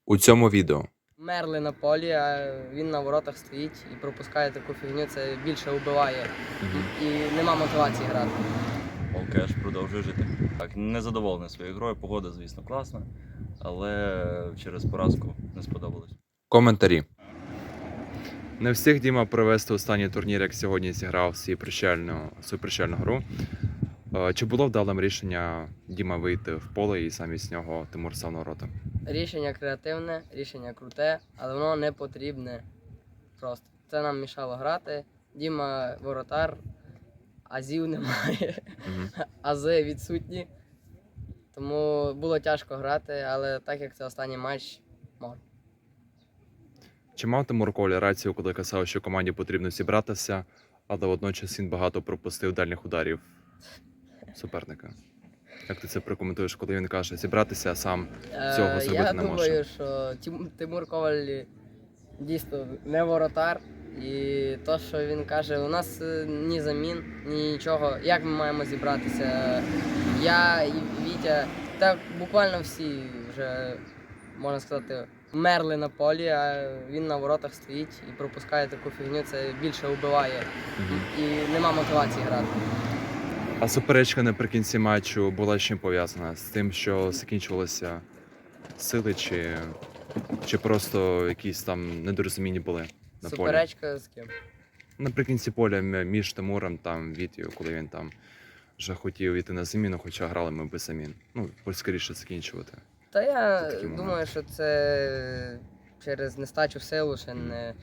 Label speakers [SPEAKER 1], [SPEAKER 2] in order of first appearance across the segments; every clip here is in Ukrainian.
[SPEAKER 1] У цьому відео
[SPEAKER 2] Мерли на полі, а він на воротах стоїть і пропускає таку фігню, це більше вбиває. І нема мотивації грати.
[SPEAKER 3] Олкеш продовжує жити. Так, не задоволений своєю грою, погода, звісно, класна, але через поразку не сподобалось.
[SPEAKER 1] коментарі. Не встиг Діма провести останній турнір, як сьогодні зіграв свою прощальну гру. Чи було вдалим рішення Діма вийти в поле і замість нього Тимур став на ворота?
[SPEAKER 2] Рішення креативне, рішення круте, але воно не потрібне просто. Це нам мішало грати. Діма воротар, азів немає, ази відсутні. Тому було тяжко грати, але так як це останній матч, можна.
[SPEAKER 1] Чи мав Тимур Коля рацію, коли казав, що команді потрібно зібратися, але водночас він багато пропустив дальніх ударів суперника? Як ти це прокоментуєш, коли він каже зібратися, а сам цього зробити
[SPEAKER 2] Я
[SPEAKER 1] не
[SPEAKER 2] думаю,
[SPEAKER 1] може?
[SPEAKER 2] що Тимур Коваль дійсно не воротар. І те, що він каже, у нас ні замін, ні нічого. Як ми маємо зібратися? Я і Вітя, так буквально всі вже, можна сказати, мерли на полі, а він на воротах стоїть і пропускає таку фігню, це більше вбиває. І нема мотивації грати.
[SPEAKER 1] А суперечка наприкінці матчу була з чим пов'язана? З тим, що закінчувалися сили, чи просто якісь там недорозуміння були на полі?
[SPEAKER 2] Суперечка з ким?
[SPEAKER 1] Наприкінці поля між Тимуром та Вітєю, коли він там вже хотів йти на заміну, хоча грали ми без замін. Ну, скоріше закінчувати.
[SPEAKER 2] Та я
[SPEAKER 1] Це такий
[SPEAKER 2] думаю,
[SPEAKER 1] момент.
[SPEAKER 2] що це через нестачу сил, ще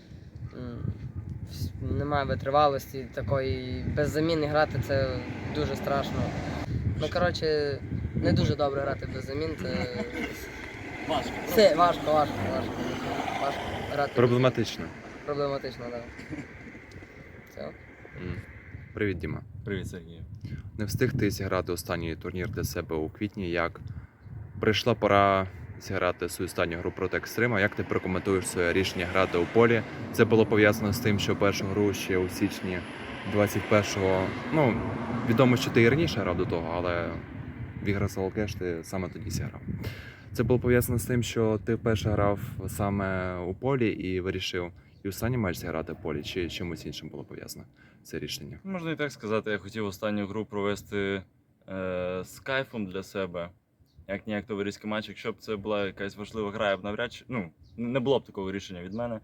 [SPEAKER 2] немає витривалості такої. Без заміни грати це дуже страшно. Ну, коротше, не дуже добре грати без замін. Це важко грати.
[SPEAKER 1] Проблематично.
[SPEAKER 2] Проблематично, так. Все.
[SPEAKER 1] Привіт, Діма.
[SPEAKER 3] Привіт, Сергій.
[SPEAKER 1] Не встиг ти зіграти останній турнір для себе у квітні, як прийшла пора зіграти свою останню гру проти Екстрима. Як ти прокоментуєш своє рішення грати у полі? Це було пов'язано з тим, що першу гру ще у січні 21-го, ну, відомо, що ти і раніше грав до того, але в ігри з Олкеш ти саме тоді зіграв. Це було пов'язано з тим, що ти вперше грав саме у полі і вирішив і останній матч зіграти в полі, чи чимось іншим було пов'язано це рішення?
[SPEAKER 3] Можна і так сказати, я хотів останню гру провести з кайфом для себе. Як ніяк товариський матч. Якщо б це була якась важлива гра, я б навряд чи не було б такого рішення від мене.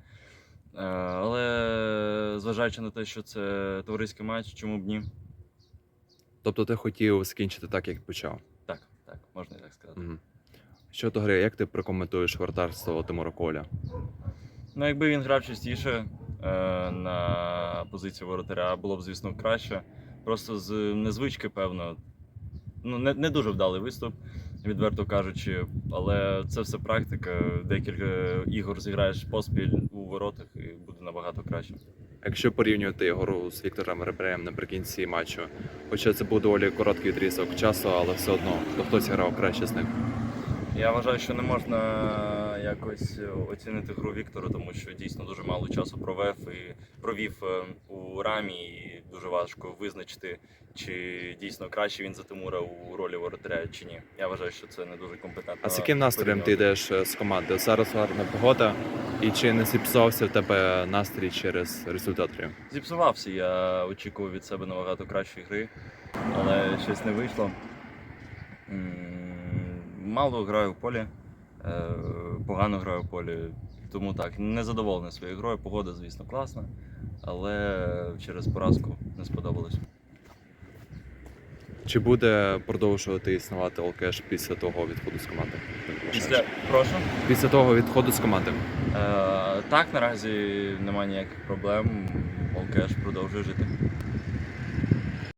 [SPEAKER 3] Але зважаючи на те, що це товариський матч, чому б ні?
[SPEAKER 1] Тобто ти хотів закінчити так, як почав?
[SPEAKER 3] Так, можна і так сказати.
[SPEAKER 1] Угу. Щодо гри, як ти прокоментуєш вратарство Тимура Коля?
[SPEAKER 3] Ну, якби він грав частіше на позиції воротаря, було б, звісно, краще. Просто з незвички, певно, не дуже вдалий виступ, відверто кажучи, але це все практика. Декілька ігор зіграєш поспіль у воротах і буде набагато краще.
[SPEAKER 1] Якщо порівнювати гру з Віктором Ребреєм наприкінці матчу, хоча це був доволі короткий відрізок часу, але все одно, то хтось грав краще з ним?
[SPEAKER 3] Я вважаю, що не можна якось оцінити гру Віктора, тому що дійсно дуже мало часу провів у рамі, і дуже важко визначити, чи дійсно краще він за Тимура у ролі воротаря, чи ні. Я вважаю, що це не дуже компетентно.
[SPEAKER 1] А з яким настроєм ти йдеш з команди? Зараз гарна погода, і чи не зіпсувався в тебе настрій через результат гри?
[SPEAKER 3] Зіпсувався, я очікував від себе набагато кращої гри, але щось не вийшло. Мало граю в полі, погано граю в полі, тому так, не задоволений своєю грою. Погода, звісно, класна, але через поразку не сподобалось.
[SPEAKER 1] Чи буде продовжувати існувати Олкеш після того відходу з команди?
[SPEAKER 3] Прошу?
[SPEAKER 1] Після того відходу з команди?
[SPEAKER 3] Так, наразі немає ніяких проблем, Олкеш продовжує жити.